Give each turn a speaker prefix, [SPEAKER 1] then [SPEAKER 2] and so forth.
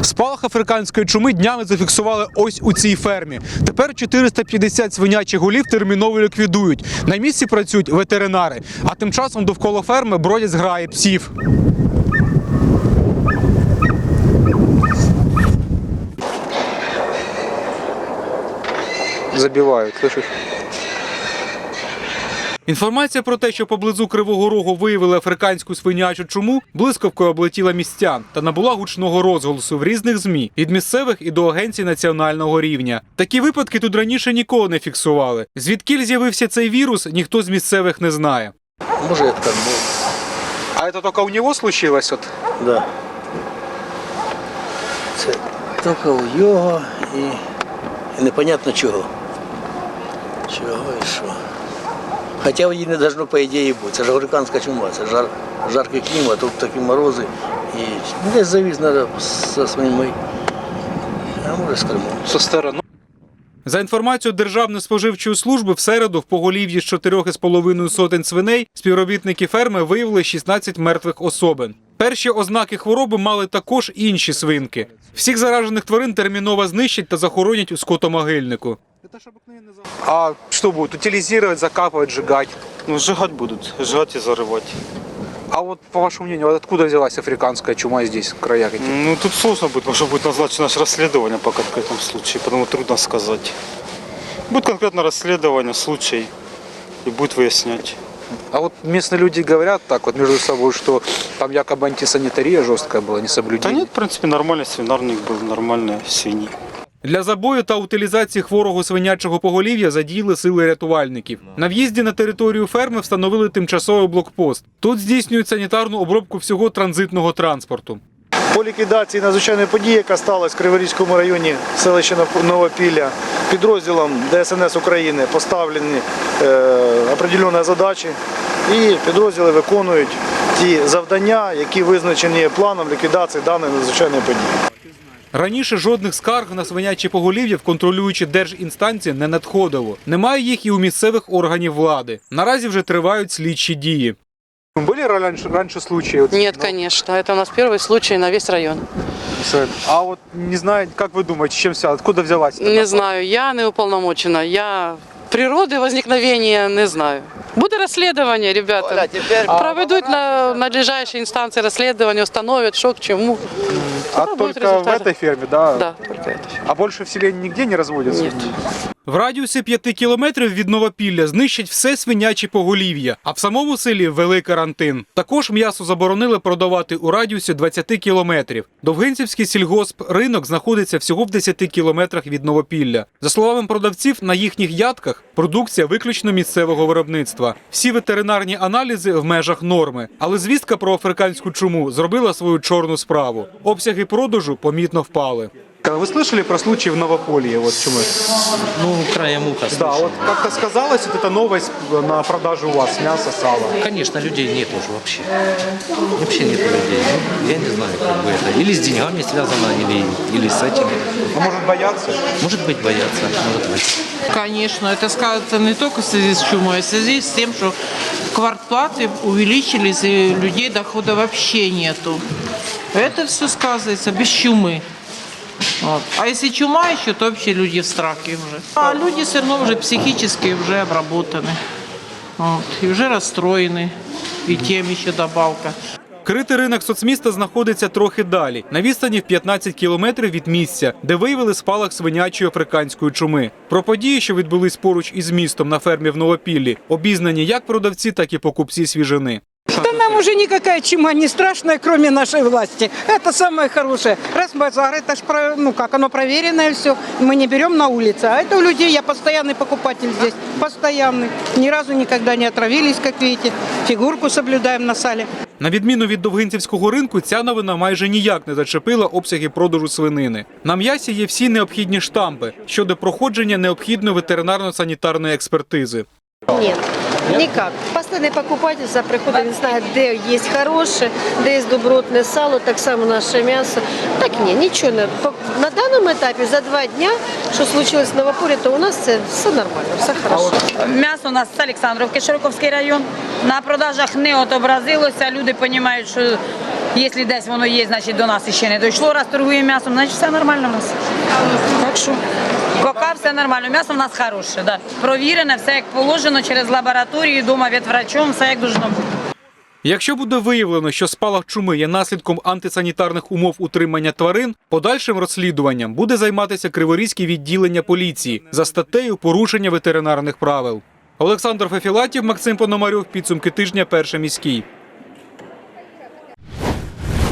[SPEAKER 1] Спалах африканської чуми днями зафіксували ось у цій фермі. Тепер 450 свинячих голів терміново ліквідують. На місці працюють ветеринари, а тим часом довкола ферми бродять зграї псів. Забивають, слышиш? Інформація про те, що поблизу Кривого Рогу виявили африканську свинячу чуму, блискавкою облетіла містян та набула гучного розголосу в різних ЗМІ, від місцевих і до агенцій національного рівня. Такі випадки тут раніше ніколи не фіксували. Звідкіль з'явився цей вірус, ніхто з місцевих не знає.
[SPEAKER 2] Може, як там було.
[SPEAKER 1] А це тільки у нього случилось?
[SPEAKER 2] Да. Це тільки у його і непонятно чого. Чого і що. Хоча її не должно, по ідеї, бути. Це ж африканська чума, це жаркий клімат, тут такі морози. І десь завіз треба зі своїми, а може з Кримом.
[SPEAKER 1] Зі сторони. За інформацією Державної споживчої служби, в середу в поголів'ї з 4,5 сотень свиней співробітники ферми виявили 16 мертвих особин. Перші ознаки хвороби мали також інші свинки. Всіх заражених тварин терміново знищать та захоронять у скотомогильнику. А что будут? Утилизировать, закапывать, сжигать?
[SPEAKER 3] Ну, сжигать будут, сжигать и зарывать.
[SPEAKER 1] А вот, по вашему мнению, откуда взялась африканская чума здесь, в краях этих?
[SPEAKER 3] Ну, тут сложно будет, потому что будет назначено расследование по конкретному случаю, потому трудно сказать. Будет конкретное расследование, случай, и будет выяснять.
[SPEAKER 1] А вот местные люди говорят так вот между собой, что там якобы антисанитария жесткая была, не соблюдение.
[SPEAKER 3] Да нет, в принципе, нормальный свинарник был, нормальные свиньи.
[SPEAKER 1] Для забою та утилізації хворого свинячого поголів'я задіяли сили рятувальників. На в'їзді на територію ферми встановили тимчасовий блокпост. Тут здійснюють санітарну обробку всього транзитного транспорту.
[SPEAKER 4] По ліквідації надзвичайної події, яка сталася в Криворізькому районі селища Новопілля, підрозділом ДСНС України поставлені определені задачі і підрозділи виконують ті завдання, які визначені планом ліквідації даної надзвичайної події.
[SPEAKER 1] Раніше жодних скарг на свиняче поголів'я в контролюючі держінстанції не надходило. Немає їх і у місцевих органів влади. Наразі вже тривають слідчі дії. Були раніше случаї?
[SPEAKER 5] Нет, конечно. Это у нас первый случай на весь район.
[SPEAKER 1] А вот не знаю, как вы думаете, чем все, откуда взялась?
[SPEAKER 5] Не знаю, я не уполномочена. Я природы возникновения не знаю. Буде розслідування, ребята. Проведуть на надлежащие инстанции расследование, установят, что к чему.
[SPEAKER 1] А только в этой ферме, да?
[SPEAKER 5] Да, только это.
[SPEAKER 1] А больше в селе нигде не разводятся?
[SPEAKER 5] Нет.
[SPEAKER 1] В радіусі 5 кілометрів від Новопілля знищать все свиняче поголів'я, а в самому селі ввели карантин. Також м'ясо заборонили продавати у радіусі 20 кілометрів. Довгинцівський сільгоспринок знаходиться всього в 10 кілометрах від Новопілля. За словами продавців, на їхніх ядках продукція виключно місцевого виробництва. Всі ветеринарні аналізи в межах норми. Але звістка про африканську чуму зробила свою чорну справу. Обсяги продажу помітно впали. Вы слышали про случай в Новополье вот чумы?
[SPEAKER 6] Ну, краем уха слышал.
[SPEAKER 1] Да, вот как-то сказалось, вот эта новость на продажу у вас мяса, сала.
[SPEAKER 6] Конечно, людей нет уже вообще. Вообще нет людей. Ну, я не знаю, как бы это. Или с деньгами связано, или с этим.
[SPEAKER 1] А может бояться?
[SPEAKER 6] Может быть, боятся, может быть.
[SPEAKER 7] Конечно, это сказывается не только в связи с чумой, а в связи с тем, что квартплаты увеличились, и людей дохода вообще нету. Это все сказывается без чумы. Вот. А если чума еще, то вообще люди в страхе уже. А люди все равно уже психически уже обработаны. Вот. И уже расстроены. И тем еще добавка.
[SPEAKER 1] Критий ринок соцміста знаходиться трохи далі, на відстані в 15 кілометрів від місця, де виявили спалах свинячої африканської чуми. Про події, що відбулись поруч із містом на фермі в Новопіллі, обізнані як продавці, так і покупці свіжини.
[SPEAKER 8] Да нам уже никакая чума не страшная, кроме нашей власти. Это самое хорошее. Раз базар, это ж, ну как, оно проверенное все. Мы не берем на улице. А это у людей, я постоянный покупатель здесь. Постоянный. Ни разу никогда не отравились, как видите. Фигурку соблюдаем на сале.
[SPEAKER 1] На відміну від Довгинцівського ринку, ця новина майже ніяк не зачепила обсяги продажу свинини. На м'ясі є всі необхідні штампи щодо проходження необхідної ветеринарно-санітарної експертизи.
[SPEAKER 9] Нет, никак. Постоянный покупатель за приходом не знает, где есть хорошее, где есть добротное сало, так само наше мясо. Так ні, нічого не. На даному етапі за 2 дня, що случилось в Новопіллі, то у нас це все нормально, все хорошо.
[SPEAKER 10] М'ясо у нас з Олександрівки, Широковський район. На продажах не отобразилося, люди розуміють, що Якщо десь воно є, значить до нас ще не дійшло, раз торгуємо м'ясом, значить все нормально в нас. Так що, поки все нормально. М'ясо в нас хороше, да. Провірене, все як положено, через лабораторію, вдома від врачом, все як должно бути.
[SPEAKER 1] Якщо буде виявлено, що спалах чуми є наслідком антисанітарних умов утримання тварин, подальшим розслідуванням буде займатися Криворізьке відділення поліції за статтею порушення ветеринарних правил. Олександр Фефілатів, Максим Пономарьов. Підсумки тижня. Перший міський.